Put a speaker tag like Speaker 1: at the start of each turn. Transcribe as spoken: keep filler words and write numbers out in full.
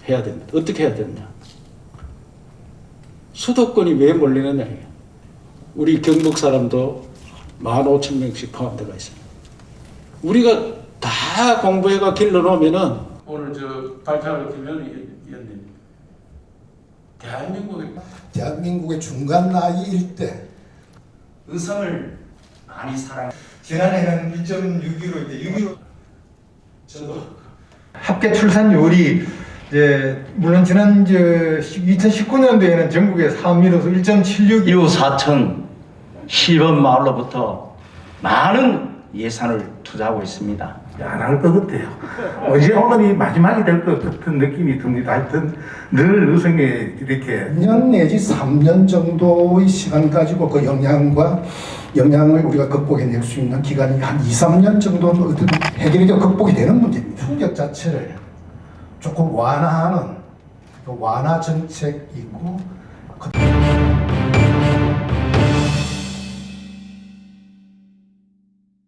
Speaker 1: 해야 됩니다. 어떻게 해야 되느냐. 수도권이 왜 몰리느냐. 우리 경북 사람도 만 오천 명씩 포함되어 있습니다. 우리가 다 공부해가 길러놓으면은 오늘 저 발표를 김현희 의원님 대한민국의
Speaker 2: 대한민국의 중간 나이일 때
Speaker 3: 의성을 많이 사랑.
Speaker 4: 지난해는 일 점 육이로 이제 육이로
Speaker 1: 저도
Speaker 4: 합계 출산율이 이제 물론 지난 저 이천십구 년도에는 전국의 사업민으로서 일 점 칠육
Speaker 3: 이후 사천 시범 마을로부터 많은 예산을 투자하고 있습니다.
Speaker 5: 안 할 것 같아요. 언제 오늘이 마지막이 될 것 같은 느낌이 듭니다. 하여튼 늘 의성에 이렇게
Speaker 2: 이 년 내지 삼 년 정도의 시간 가지고 그 영향과 영향을 우리가 극복해낼 수 있는 기간이 한 이, 삼 년 정도는 어떤 해결이 되고 극복이 되는 문제입니다. 충격 자체를 조금 완화하는 그 완화 정책이고